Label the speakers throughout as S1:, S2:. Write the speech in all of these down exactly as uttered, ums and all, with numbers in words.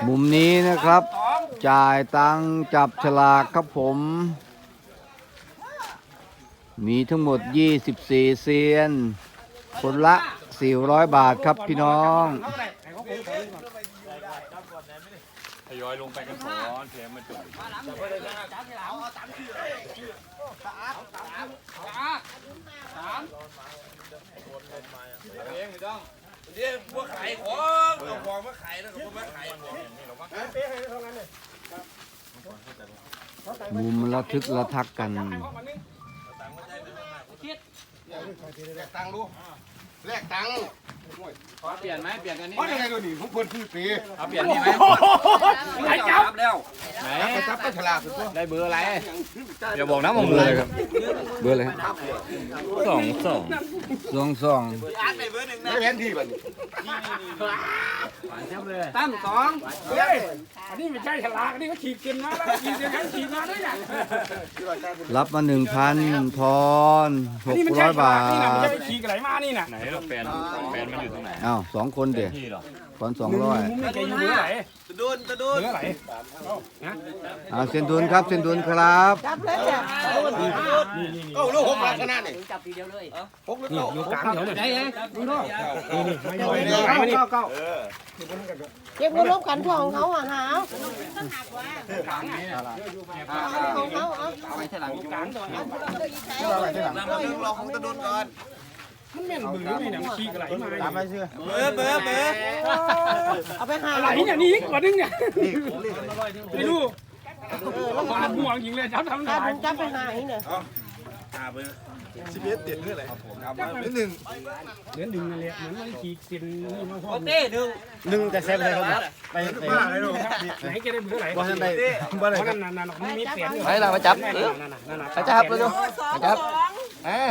S1: มุมนี้นะครับจ่ายตังค์จับฉลากครับผมมีทั้งหมดยี่สิบสี่เซียนคนละสี่ร้อยบาทครับพี่น้อง
S2: ทยอยลงไปกันก่อนเสียงมันจุดเองไม่ต้องเดี๋ยวพวกขายของเอาของมาขายแล้วก็พวกมาขายของ
S1: มุมระทึกระทักกัน
S3: แลกตังค์ดูแลกตังค์
S2: เปลี่ยนไหมเปลี่ยนกันนี่
S3: เพราะยังไงตัวนี้ผมเพิ่นคือปี
S2: เอาเปลี่ยนนี่ไหม
S4: ไอ้จับ
S2: แล้วไหน
S3: จับก็ฉลาดสุดตัว
S2: ได้เบอร์อะไรอย่าบอกนะมึงเบอร์อะไรครับ
S1: เบอร์อะไรครับ
S2: สองสอง
S1: สองสอง
S3: ไม่แพ้ที่บัดนี้
S4: ตั้มสอง
S5: เฮ้ยอันนี้ไม่ใช่ฉลากอันนี้ก็ขีดกินมาแล้วขีดกินกันขีดมาด้วยเนี่ย
S1: รับมาหนึ่งพันทอนหกร้อยบาท
S5: นี่นะไม่ใช่ไปขีดไหลมานี่น่ะ
S2: ไหนเราแฟนแฟนมันอยู่ตรงไหน
S1: อ้าวสองคนเด็กตอนสองร้อย
S5: มุ้งไม่ใช่อยู่เมื่อไหร่
S2: จะดูนจะดูน
S5: เมื่อไหร่
S1: อ่าเซนดุนครับเซนดุนครับ
S4: จับเลยจ้ะ
S3: เก้าลูกหกบาทขนาดนี้
S4: จับทีเดียวเลย
S3: หกลูก
S5: นี่อยู่กลางเดี๋ยวเลยได้ยังนี่นี่ไม่ย่อย
S3: เก้า
S5: ไม่นี่
S3: เก้าเก้า
S4: เก็บเงินรวมกันของเขาอ่ะหาของเขาเอา
S2: ไปที่หลัง
S5: กลางตัว
S2: รอของจะดูนก่อน
S5: มันแม่นบือไม่เนี่ยมันขีดไหลมา
S3: ตามไปเชื่อ
S2: เบอร์เบอร์เบอร์
S4: เอาไปหา
S5: ไหลอย่างนี้กว่านึงเนี่ยไปดูแล้วมันม่วงยิงเลยจับทำ
S4: จั
S5: ได้
S4: บจับไปหาอีกเนี่ย
S2: อ่าเบอร์
S3: สิบเอ็ดเด็ดเรื่องอะไรนิดหนึ่ง
S5: เดือนดึงเลยเหมือนมันขีดเส้นนี่มาพอ
S4: เต้หนึ่ง
S3: หนึ่งแต่เซฟอะไรครับไปไปบ้าอะไรลูก
S5: ไหนแกได้เบื่อไหล
S3: บ้านใดบ้านไหน
S5: เพราะนั่นนั่นมันมีเสียง
S1: ไปละมาจับเออมาจับเลยดูมาจับเออ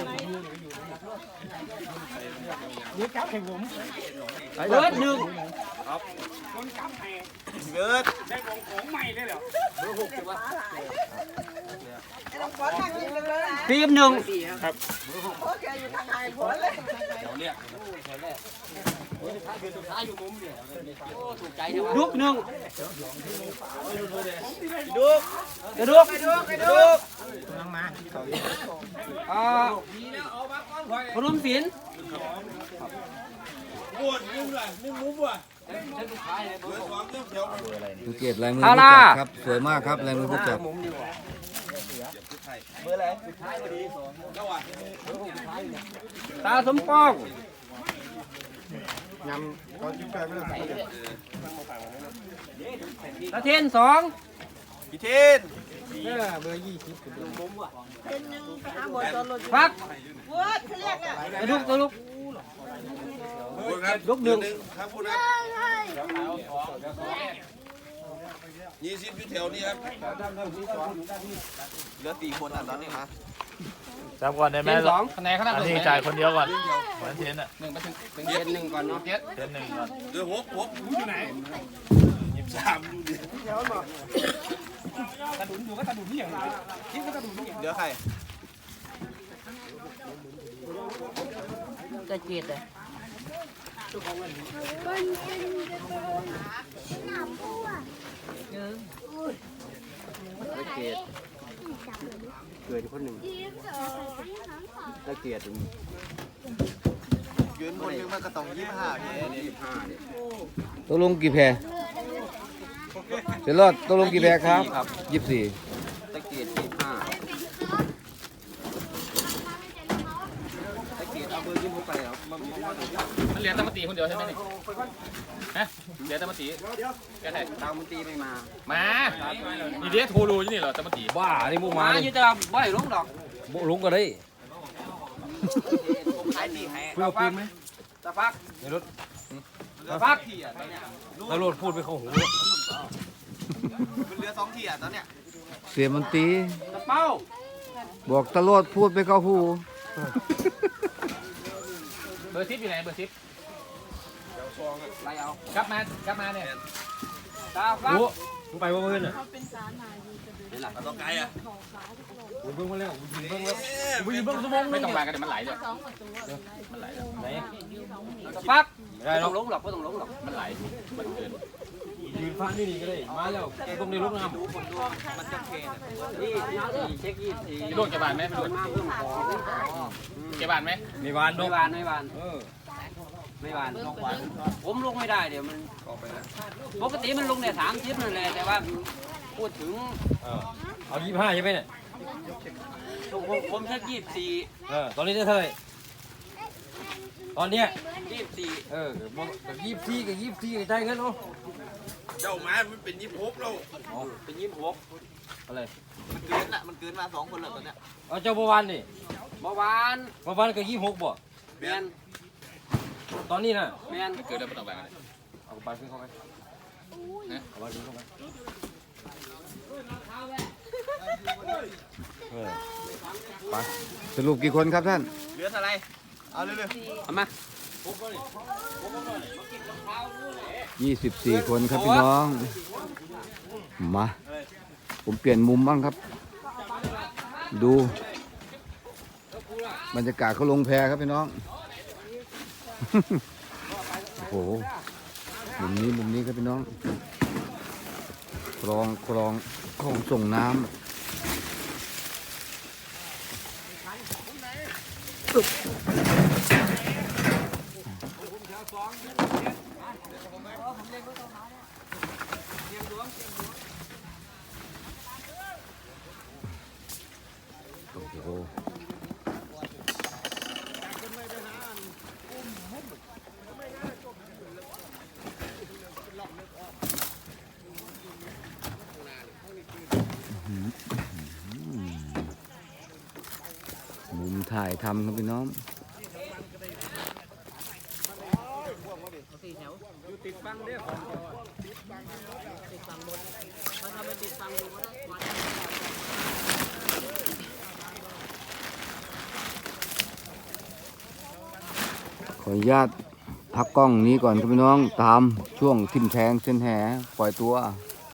S5: นี่จับให้ผม
S4: เบิร์ดหนึ่ง
S5: คนจับให้
S2: เบิร์ด
S5: ได้ของของใหม่เลยเหรอ
S4: ทีมหนึ่ง ลูกหนึ่ง
S2: ดู
S4: กระดูก
S2: ดู
S4: อ่าพนมศิลป์
S2: ปวดมุ้งเลยมุ้งมุ้งว่ะเบอร์สองเรื่องเขียว
S1: สังเกตลายมือผู้จัดครับสวยมากครับลายมือผู้จัด
S4: ตาสมปอง
S3: ยำตอนกินไปไม่ได้
S4: ตาเทนสอง
S2: พี่เทน
S3: เบอร์ยี่สิบ
S4: ฟักกระดูกกระดูก
S2: ลูกหนึ่งครับพูดนะยี่สิบอยู่แถวนี้ครับเหลือสี่คนอ่ะตอนนี้มา
S6: จับก่อนได้ไหม
S4: สอง
S6: คะแนนขนาดนี้จ่ายคนเดียวก่อนเหมือนเทนอ่ะ
S4: หนึ่งไปถึงเป็นเทนหนึ่งก่อนเนาะ
S6: เทนหนึ่งก่อน
S2: เหลือหกหกอยู่ไหนยี่สิบสามอยู่ดิ
S5: กระดุนอยู่ก็กระดุนนี่อย่างไรที่ก็กระดุนนี่อย่าง
S2: เหลือใคร
S4: จะเจ็ดเลยเกตเกิดคนหนึ่งตะเกียด
S2: ยืนคนนึงมันก็ต้องยี่สิบห้าเนี่ยยี่สิบห้าเนี่ย
S1: ตกลงกี่แพรเสร็จรอดตกลงกี่แพรครับยี่สิบสี่
S4: ตะเกียดยี่สิบห้าตะเกียดเอาเบอร์ยี่สิบไปเหรอมัน
S6: เรียนตะมตีคนเดียวใช่ไหมนี่ฮะเรียนตะมตีแกไทย
S4: ตามมันตีไม่มา
S6: มาอีเดียโทรรู้นี่เหรอตะมตี
S1: บ้านี่มู
S4: มา
S1: มา
S4: อยู่แต่บ่อยลงดอก
S1: บุลุงก็ได้
S4: ขายตีแห่ตะฟักตะฟักตะฟัก
S1: ตำรวจพูดไปเข้าหู
S2: มันเหลือสองที่อ่ะตอนเนี้ย
S1: เสียมันตี
S4: ตะเป้า
S1: บอกตำรวจพูดไปเข้าหู
S6: เบอร์ซิปอยู่ไหนเบอร์ซิป
S4: ไรเอา
S6: กลับมากลับมาเนี่ย
S4: ตาฟัก
S3: มึงไปว่าเพื่อนอ่ะ
S2: เอาตัวไกลอ่ะ
S3: มึงเพิ่งมาแล้วมึงเพิ่งแล้ว
S6: วิ่งเบิ้งสมองไม่ต้องมากันเดี๋ยวมันไหลเลยมันไหลไหน
S4: ตะฟักไม่ต้องลงหรอกไม่ต้องลงหรอก
S6: มันไหลมันเกิน
S3: ยืน
S7: ฟ้านี่นี่ก็ได้มาแล้วแกตรงในลูกน้ำ
S6: พี่ลูกจะบานไหมพี่ลูกจะบานไหม
S7: มีวานด
S8: ไม่
S7: ก
S8: หวานไม่หวาน
S7: เออ
S8: ไม่หวานผมลงไม่ได้เดี๋ยวมันปกติมันลงเนี่ยสามทิปนั่นแหละแต่ว่าพูดถึง
S7: เออเอายี่ห้าใช่ไหมเนี่ย
S8: ผมผมแค่ยี่สิบสี่
S7: เออตอนนี้ได้เท่าไหร่ตอนเนี้ย
S8: ยี่สิบสี่
S7: เออกับยี่สิบสี่กับยี่สิบสี่ใจเงินเนาะ
S2: เจ้ามามันเป็นยี่สิบหกแล้ว
S8: เป็นยี่สิบหก
S7: อะไร
S3: มันเกินอ่ะมันเกินมาสองคนแล้วตอนเนี้ย
S7: เอาเจ้าบัววันนี่
S8: เมื่อวาน
S7: บัววันกับยี่สิบหกบ่
S8: แมน
S7: ตอนนี้น่ะ
S8: แมน
S6: เกิดแล้วไม่ต้องแบ่งเลย
S7: เอาไปขึ้นเข้าไปเอาไปขึ้นเข้าไปเออ
S1: ไปสรุปกี่คนครับท่าน
S3: เหลือเท่าไรเอาเร็ว
S8: เอามา
S1: ยี่สิบสี่คนครับพี่น้อง มา ผมเปลี่ยนมุมบ้างครับ ดูบรรยากาศเขาลงแพครับพี่น้อง โอ้โห มุมนี้มุมนี้ครับพี่น้อง คลองคลองคลองส่งน้ำ โอ้โห มุมถ่ายทำครับพี่น้อง
S8: ติดฟังเด้อติดฟังบนถ้าทำไม่ติดฟังดูก็ได้
S1: ขออนุญาตพักกล้องนี้ก่อนครับพี่น้อง ตามช่วงทิมแทงเส้นแหปล่อยตัว